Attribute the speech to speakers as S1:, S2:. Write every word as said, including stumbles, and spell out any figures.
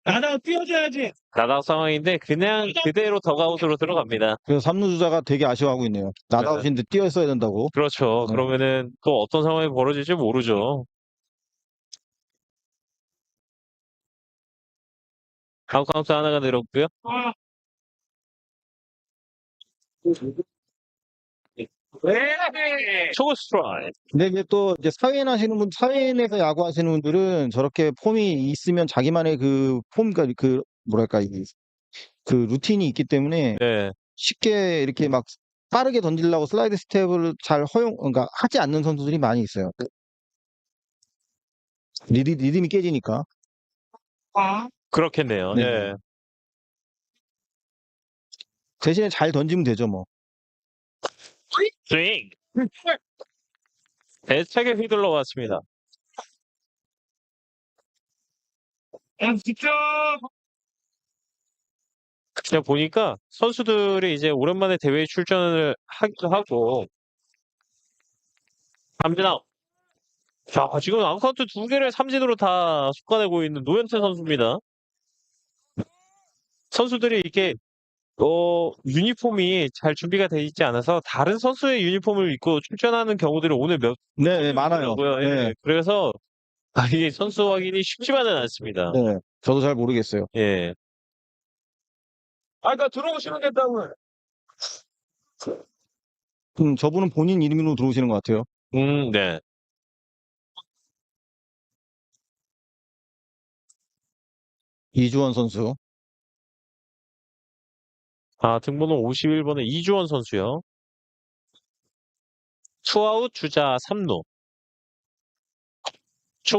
S1: 나다가 뛰어줘야지.
S2: 나다웃 상황인데 그냥 그대로 덕아웃으로 들어갑니다.
S3: 그래서 삼 루 주자가 되게 아쉬워하고 있네요. 나다웃인데 뛰었어야 된다고.
S2: 그렇죠.
S3: 네.
S2: 그러면은 또 어떤 상황이 벌어질지 모르죠. 아웃 카운트 하나가 늘었고요.
S1: 아.
S2: 초구 스트라이크.
S3: 근데 이제 또 이제 사회인 하시는 분, 사회인에서 야구하시는 분들은 저렇게 폼이 있으면 자기만의 그 폼, 그러니까 그 뭐랄까 이 그 루틴이 있기 때문에
S2: 네.
S3: 쉽게 이렇게 막 빠르게 던지려고 슬라이드 스텝을 잘 허용, 그러니까 하지 않는 선수들이 많이 있어요. 리드, 리듬이 깨지니까.
S1: 아.
S2: 그렇겠네요.
S3: 네.
S2: 예.
S3: 대신에 잘 던지면 되죠, 뭐.
S2: 스윙. 애착에 휘둘러 왔습니다.
S1: 야, 진짜.
S2: 그냥 보니까 선수들이 이제 오랜만에 대회에 출전을 하기도 하고 삼진 아웃. 자, 지금 아웃 카운트 두 개를 삼진으로 다 솎아내고 있는 노현태 선수입니다. 선수들이 이렇게 어 유니폼이 잘 준비가 돼 있지 않아서 다른 선수의 유니폼을 입고 출전하는 경우들이 오늘 몇
S3: 네, 네, 많아요.
S2: 있더라고요. 예.
S3: 네.
S2: 그래서 아, 이게 선수 확인이 쉽지만은 않습니다.
S3: 네. 저도 잘 모르겠어요.
S2: 예.
S1: 아, 그러니까 들어오시면 된다고.
S3: 음, 저분은 본인 이름으로 들어오시는 것 같아요.
S2: 음, 네.
S3: 이주원 선수.
S2: 아, 등번호 오십일 번의 이주원 선수요. 투아웃 주자 삼 루.